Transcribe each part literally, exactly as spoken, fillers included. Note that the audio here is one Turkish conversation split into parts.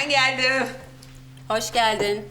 Ben geldim. Hoş geldin.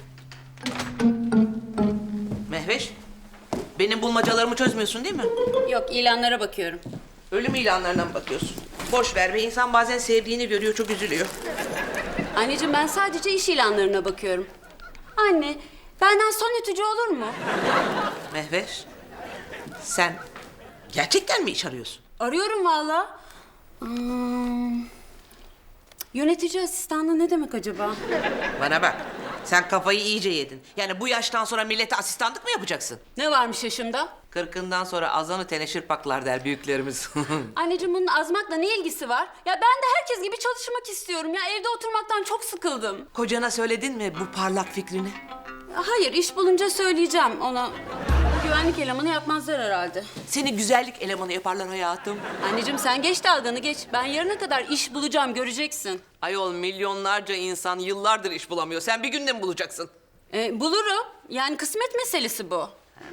Mehveş, benim bulmacalarımı çözmüyorsun değil mi? Yok, ilanlara bakıyorum. Ölüm ilanlarına mı bakıyorsun? Boş ver be, insan bazen sevdiğini görüyor, çok üzülüyor. Anneciğim, ben sadece iş ilanlarına bakıyorum. Anne, benden son ütücü olur mu? Mehveş, sen gerçekten mi iş arıyorsun? Arıyorum vallahi. Hmm, yönetici asistanlığı ne demek acaba? Bana bak, sen kafayı iyice yedin. Yani bu yaştan sonra millete asistanlık mı yapacaksın? Ne varmış yaşımda? Kırkından sonra azanı teneşir paklar der büyüklerimiz. Anneciğim, bunun azmakla ne ilgisi var? Ya ben de herkes gibi çalışmak istiyorum. Ya evde oturmaktan çok sıkıldım. Kocana söyledin mi bu parlak fikrini? Hayır, iş bulunca söyleyeceğim ona. Güvenlik elemanı yapmazlar herhalde. Seni güzellik elemanı yaparlar hayatım. Anneciğim, sen geç dalganı geç. Ben yarına kadar iş bulacağım, göreceksin. Ayol, milyonlarca insan yıllardır iş bulamıyor. Sen bir günde mi bulacaksın? E, bulurum. Yani kısmet meselesi bu.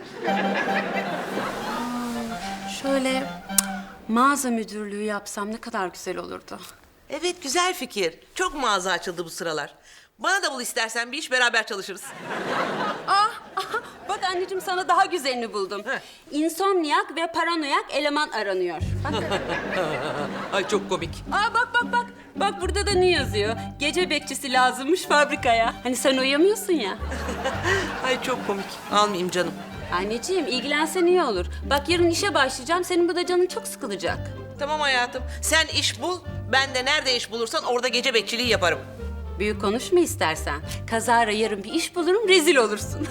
Şöyle mağaza müdürlüğü yapsam ne kadar güzel olurdu. Evet, güzel fikir. Çok mağaza açıldı bu sıralar. Bana da bul istersen, bir iş beraber çalışırız. Ah, ah, bak anneciğim, sana daha güzelini buldum. Heh. İnsomniyak ve paranoyak eleman aranıyor. Bak. Ay çok komik. Aa, bak bak bak. Bak burada da ne yazıyor? Gece bekçisi lazımmış fabrikaya. Hani sen uyuyamıyorsun ya. Ay çok komik. Almayayım canım. Anneciğim, ilgilensen iyi olur. Bak yarın işe başlayacağım. Senin burada canın çok sıkılacak. Tamam hayatım. Sen iş bul. Ben de nerede iş bulursan orada gece bekçiliği yaparım. Büyük konuşma istersen. Kazara yarın bir iş bulurum, rezil olursun.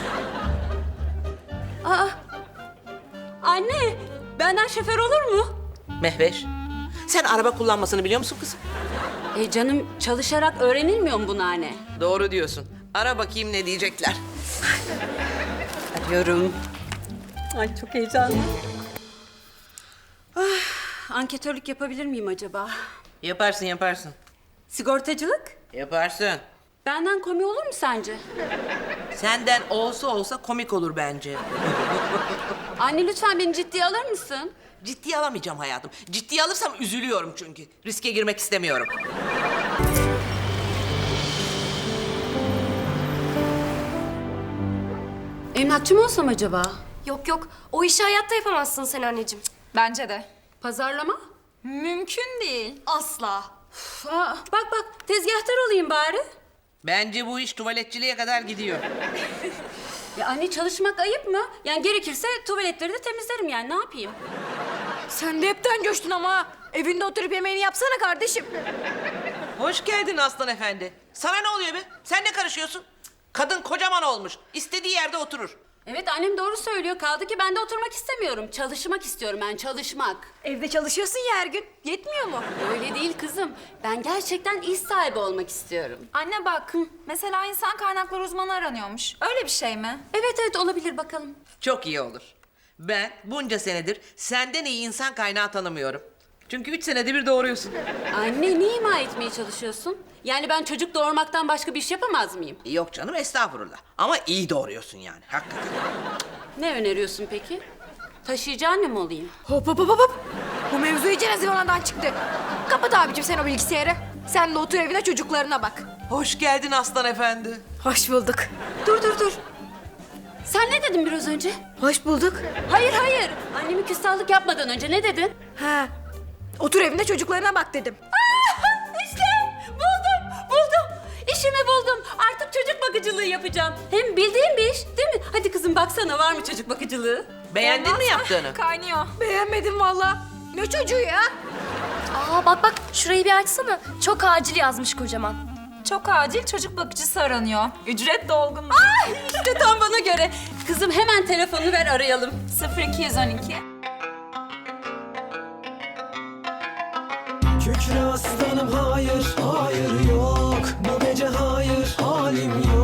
Aa, anne, benden şoför olur mu? Mehveş, sen araba kullanmasını biliyor musun kızım? E canım, çalışarak öğrenilmiyor mu bunu anne? Doğru diyorsun. Ara bakayım ne diyecekler. Arıyorum. Ay çok heyecanlı. Ah, anketörlük yapabilir miyim acaba? Yaparsın yaparsın. Sigortacılık? Yaparsın. Benden komik olur mu sence? Senden olsa olsa komik olur bence. Anne, lütfen beni ciddiye alır mısın? Ciddiye alamayacağım hayatım. Ciddiye alırsam üzülüyorum çünkü. Riske girmek istemiyorum. Emlakçı mı olsam acaba? Yok yok, o işi hayatta yapamazsın sen anneciğim. Bence de. Pazarlama? Mümkün değil. Asla. Üf, aa, bak bak, tezgahtar olayım bari. Bence bu iş tuvaletçiliğe kadar gidiyor. Ya anne, çalışmak ayıp mı? Yani gerekirse tuvaletleri de temizlerim, yani ne yapayım? Sen de hepten coştun ama. Evinde oturup yemeğini yapsana kardeşim. Hoş geldin Aslan Efendi. Sana ne oluyor be? Sen ne karışıyorsun? Kadın kocaman olmuş. İstediği yerde oturur. Evet, annem doğru söylüyor. Kaldı ki ben de oturmak istemiyorum. Çalışmak istiyorum ben, çalışmak. Evde çalışıyorsun ya her gün. Yetmiyor mu? Öyle değil kızım. Ben gerçekten iş sahibi olmak istiyorum. Anne bak, mesela insan kaynakları uzmanı aranıyormuş. Öyle bir şey mi? Evet evet, olabilir, bakalım. Çok iyi olur. Ben bunca senedir senden iyi insan kaynağı tanımıyorum. Çünkü üç senede bir doğuruyorsun. Anne, ne ima etmeye çalışıyorsun? Yani ben çocuk doğurmaktan başka bir iş yapamaz mıyım? Yok canım, estağfurullah. Ama iyi doğuruyorsun yani, hakikaten. Ne öneriyorsun peki? Taşıyıcı anne mi olayım? Hop hop hop hop. Bu mevzu iyice zıvanadan çıktı. Kapat abicim sen o bilgisayarı. Sen de otur evine çocuklarına bak. Hoş geldin Aslan Efendi. Hoş bulduk. Dur dur dur. Sen ne dedin biraz önce? Hoş bulduk. Hayır hayır. Annemi küstahlık yapmadan önce ne dedin? Ha. Otur evinde çocuklarına bak dedim. İşte buldum, buldum. İşimi buldum. Artık çocuk bakıcılığı yapacağım. Hem bildiğim bir iş, değil mi? Hadi kızım, baksana, var mı çocuk bakıcılığı? Beğendin mi yaptığını? Kaynıyor. Beğenmedim valla. Ne çocuğu ya? Aa bak bak, şurayı bir açsana. Çok acil yazmış kocaman. Çok acil çocuk bakıcısı aranıyor. Ücret dolgun. Ay, işte tam bana göre. Kızım, hemen telefonunu ver, arayalım. sıfır iki yüz on iki. Kükre aslanım hayır, hayır yok. Bu gece hayır, halim yok.